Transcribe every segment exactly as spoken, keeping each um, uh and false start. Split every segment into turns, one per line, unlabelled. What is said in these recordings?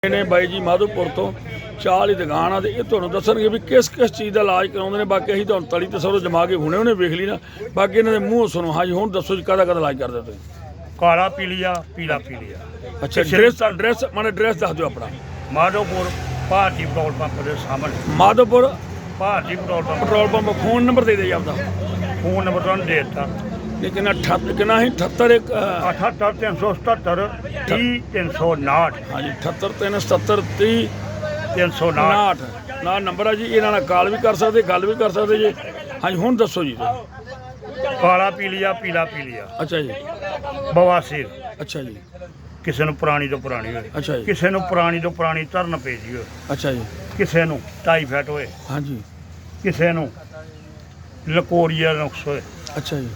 ने बाई जी माधोपुर तो चाह वाली दुकान आ ये तुहानूं दस्सणगे भी किस किस चीज़ का इलाज कराउंदे ने। बाकी असीं तुहानूं तली ते सरो जमा के हुणे हुणे वेख ली ना। बाकी इन्हां दे मूँह सुनो। हाँ जी हुण दस्सो जी काहदा काहदा इलाज करदे तुसीं?
काला पीलिया पीला पीलिया।
अच्छा ड्रेस ड्रेस माने ड्रेस दस दिओ अपना।
माधोपुर भारती पेट्रोल पंप के सामने।
Madhopur
Bharti petrol pump
petrol pump phone number दे दे आपका।
फोन नंबर तुहानूं दे दित्ता।
लेकिन अठहत्तर कितना ही अठहत्तर एक
अठहत्तर तीन सौ सतहत्तर तीह तीन सौ नाठ।
हाँ जी अठहत्तर तीन सतहत्तर तीह
तीन सौ नाठ
नाठ ना नंबर है जी। इन्हां नाल कॉल भी कर सकते गल भी कर सकते जी। हाँ जी हुण दस्सो जी।
काला पीलिया पीला पीलिया।
अच्छा जी
बवासीर।
अच्छा जी
किसी नूं पुरानी तो पुरानी होए।
अच्छा जी
किसी नूं पुरानी तो पुरानी धरन पेजी होए।
अच्छा जी
किसी नूं टाईफाइड होए।
हाँ जी
किसी नूं लकोरिया नुक्स होए।
अच्छा जी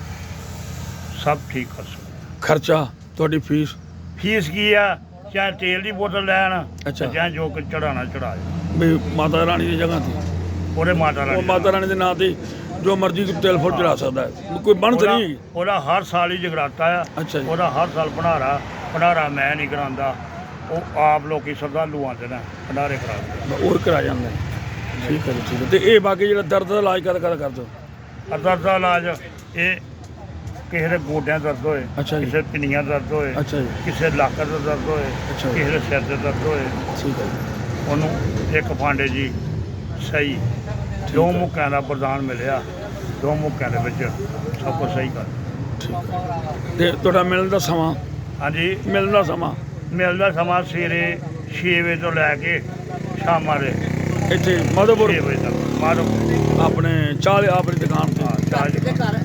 सब ठीक कर सकते।
खर्चा तुहाडी फीस
फीस की है चाहे तेल की बोतल लैन
अच्छा।
चाहे जो कुछ चढ़ाना चढ़ा
भी माता रानी की जगह थी
ਉਹਦੇ ਮਾਤਾ
वो
ਰਾਣੀ
माता रानी के नाम से जो मर्जी तेल फुल चढ़ा सकता है कोई बन तो नहीं।
ਉਹਦਾ ਹਰ ਸਾਲ ਹੀ ਜਗਰਾਤਾ ਆ।
अच्छा जी
ਉਹਦਾ ਹਰ ਸਾਲ ਭੰਡਾਰਾ ਭੰਡਾਰਾ ਮੈਂ ਨਹੀਂ ਕਰਾਉਂਦਾ ਉਹ ਆਪ ਲੋਕੀ ਸ਼ਰਧਾਲੂ ਆਉਂਦੇ ਨੇ ਭੰਡਾਰੇ ਕਰਾਉਂਦੇ।
और करा जाता है। ठीक है जी ठीक है। तो ये बाकी जो दर्द का इलाज कर कर कर दो।
ਦਰਦ ਦਾ ਇਲਾਜ ਇਹ ਕਿਸੇ ਦੇ ਗੋਡਿਆਂ ਦਰਦ ਹੋਏ
अच्छा जी
ਕਿਸੇ ਪਿੰਨੀਆਂ ਦਰਦ ਹੋਏ
अच्छा जी
ਕਿਸੇ ਲੱਕ ਦਾ ਦਰਦ ਹੋਏ
अच्छा जी
ਕਿਸੇ ਦੇ ਸਿਰ ਦੇ ਦਰਦ ਹੋਏ
ठीक है जी
ਉਹਨੂੰ ਇੱਕ ਫਾਂਡੇ ਜੀ ਸਹੀ ਦੋ ਮੁੱਕਿਆਂ ਦਾ ਵਰਦਾਨ ਮਿਲਿਆ। ਦੋ ਮੁੱਕਿਆਂ ਦੇ ਵਿੱਚ ਸਭ ਕੁਝ ਸਹੀ ਕਰ।
ठीक है। ਤੇ ਤੁਹਾਡਾ ਮਿਲਣ ਦਾ ਸਮਾਂ
ਹਾਂਜੀ
ਮਿਲਣ ਦਾ ਸਮਾਂ
ਮਿਲਦਾ ਸਮਾਂ ਸਵੇਰੇ ਛੇ ਵਜੇ ਤੋਂ ਲੈ ਕੇ ਸ਼ਾਮਾਂ ਦੇ
ਇੱਥੇ ਮਾਧੋਪੁਰ
ਛੇ ਵਜੇ ਤੱਕ ਮਾਧੋਪੁਰ
ਆਪਣੇ ਚਾਹ ਆਪਣੀ ਦੁਕਾਨ ਤੇ
ਚਾਹ ਦੇ ਘਰ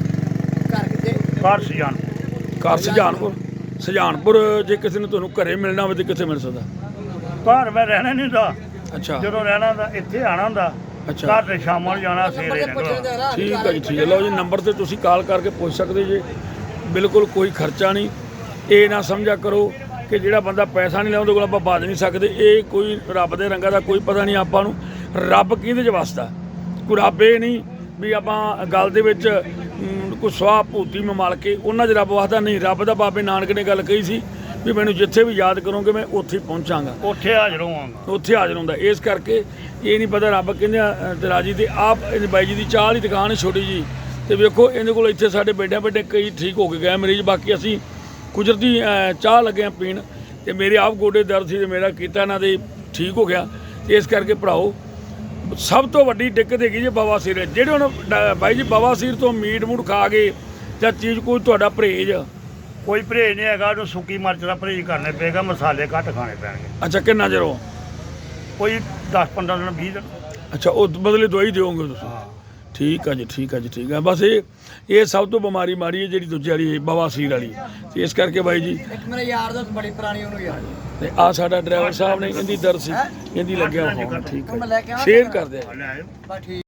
ਘਰ ਸਜਾਨ
ਘਰ ਸੁਜਾਨਪੁਰ ਸੁਜਾਨਪੁਰ ਜੇ ਕਿਸੇ ਨੂੰ ਤੁਹਾਨੂੰ ਘਰੇ ਮਿਲਣਾ ਹੋਵੇ ਤੇ ਕਿੱਥੇ ਮਿਲ ਸਕਦਾ?
ਘਰ ਮੈਂ ਰਹਿਣਾ ਨਹੀਂ ਹੁੰਦਾ।
ਅੱਛਾ
ਜਦੋਂ ਰਹਿਣਾ ਹੁੰਦਾ ਇੱਥੇ ਆਣਾ ਹੁੰਦਾ।
ਅੱਛਾ
ਘਰ ਤੇ ਸ਼ਾਮਾਂ ਨੂੰ ਜਾਣਾ ਸਵੇਰੇ ਨਿਕਲਣਾ।
ਠੀਕ ਹੈ ਜੀ ਠੀਕ ਹੈ। ਲਓ ਜੀ ਨੰਬਰ ਤੇ ਤੁਸੀਂ ਕਾਲ ਕਰਕੇ ਪੁੱਛ ਸਕਦੇ ਜੇ। ਬਿਲਕੁਲ ਕੋਈ ਖਰਚਾ ਨਹੀਂ। ਇਹ ਨਾ ਸਮਝਿਆ ਕਰੋ ਕਿ ਜਿਹੜਾ ਬੰਦਾ ਪੈਸਾ ਨਹੀਂ ਲਾਉਂਦਾ ਕੋਲ ਆਪਾਂ ਬਾਜ ਨਹੀਂ ਸਕਦੇ। ਇਹ ਕੋਈ ਰੱਬ ਦੇ ਰੰਗਾਂ ਦਾ ਕੋਈ ਪਤਾ ਨਹੀਂ ਆਪਾਂ ਨੂੰ। ਰੱਬ ਕਿਹਦੇ 'ਚ ਵਸਦਾ ਕੋਈ ਰੱਬ ਇਹ ਨਹੀਂ ਵੀ ਆਪਾਂ ਗੱਲ ਦੇ ਵਿੱਚ ਅਮ, ਕੋਈ ਸਵਾਹ ਭੂਤੀ ਮਮਲ ਕੇ ਉਹਨਾਂ 'ਚ ਰੱਬ ਵਸਦਾ ਨਹੀਂ। ਰੱਬ ਦਾ ਬਾਬੇ ਨਾਨਕ ਨੇ ਗੱਲ ਕਹੀ ਸੀ ਵੀ ਮੈਨੂੰ ਜਿੱਥੇ ਵੀ ਯਾਦ ਕਰੋਗੇ ਮੈਂ ਉੱਥੇ ਹੀ ਪਹੁੰਚਾਂਗਾ
ਉੱਥੇ ਹਾਜ਼ਰ ਹੋਵਾਂਗਾ।
ਉੱਥੇ ਹਾਜ਼ਰ ਹੁੰਦਾ। ਇਸ ਕਰਕੇ ਇਹ ਨਹੀਂ ਪਤਾ ਰੱਬ ਕਹਿੰਦੇ ਤੇ ਰਾਜੀ ਤੇ ਆਪ ਇਹ ਬਾਈ ਜੀ ਦੀ ਚਾਹ ਵਾਲੀ ਦੁਕਾਨ ਹੈ ਛੋਟੀ ਜੀ। ਤੇ ਵੇਖੋ ਇਹਦੇ ਕੋਲ ਇੱਥੇ ਸਾਡੇ ਬੈਠਿਆਂ ਬੈਠੇ ਕਈ ਠੀਕ ਹੋ ਕੇ ਗਏ ਮਰੀਜ਼। ਬਾਕੀ ਅਸੀਂ ਕੁਦਰਤੀ ਚਾਹ ਲੱਗੇ ਆ ਪੀਣ ਤੇ ਮੇਰੇ ਆਪ ਗੋਡੇ ਦਰਦ ਸੀ ਤੇ ਮੇਰਾ ਕੀਤਾ ਇਹਨਾਂ ਦੇ ਠੀਕ ਹੋ ਗਿਆ। ਤੇ ਇਸ ਕਰਕੇ ਭਰਾਓ ਸਭ ਤੋਂ ਵੱਡੀ ਦਿੱਕਤ ਹੈਗੀ ਜੀ ਬਵਾਸੀਰ। ਜਿਹੜੇ ਹੁਣ ਬਾਈ ਜੀ ਬਵਾਸੀਰ ਤੋਂ ਮੀਟ ਮੂਟ ਖਾ ਕੇ ਜਾਂ ਚੀਜ਼ ਕੋਈ ਤੁਹਾਡਾ ਪਰਹੇਜ਼?
ਕੋਈ ਪਰਹੇਜ਼ ਨਹੀਂ ਹੈਗਾ। ਉਹਨੂੰ ਸੁੱਕੀ ਮਿਰਚ ਦਾ ਪਰਹੇਜ਼ ਕਰਨੇ ਪਏਗਾ। ਮਸਾਲੇ ਘੱਟ ਖਾਣੇ ਪੈਣਗੇ।
ਅੱਛਾ ਕਿੰਨਾ ਚਿਰ ਹੋ?
ਕੋਈ ਦਸ ਪੰਦਰਾਂ ਦਿਨ ਵੀਹ ਦਿਨ।
ਅੱਛਾ ਉਹ ਬਦਲੇ ਦਵਾਈ ਦਿਓਗੇ ਤੁਸੀਂ?
ਹਾਂ
ਠੀਕ ਹੈ ਜੀ ਠੀਕ ਹੈ ਜੀ ਠੀਕ ਹੈ। ਬਸ ਇਹ ਇਹ ਸਭ ਤੋਂ ਬਿਮਾਰੀ ਮਾਰੀ ਹੈ ਜਿਹੜੀ ਦੂਜੇ ਵਾਲੀ ਬਵਾਸੀਰ ਵਾਲੀ। ਤੇ ਇਸ ਕਰਕੇ ਬਾਈ ਜੀ
ਇੱਕ ਮੇਰੇ ਯਾਰ ਦੋਸਤ ਬੜੀ ਪੁਰਾਣੀ ਉਹਨੂੰ ਯਾਰ
ਤੇ ਆ ਸਾਡਾ ਡਰਾਈਵਰ ਸਾਹਿਬ ਨੇ ਇਹਦੀ ਦਰਦ ਸੀ ਇਹਦੀ ਲੱਗਿਆ ਹੋਣਾ। ਠੀਕ
ਮੈਂ
ਹੈ
ਲੈ ਕੇ ਆਵਾਂ
ਸ਼ੇਅਰ ਕਰ ਦਿਆ।
ਲੈ ਆਇਓ।
ਬਸ ਠੀਕ।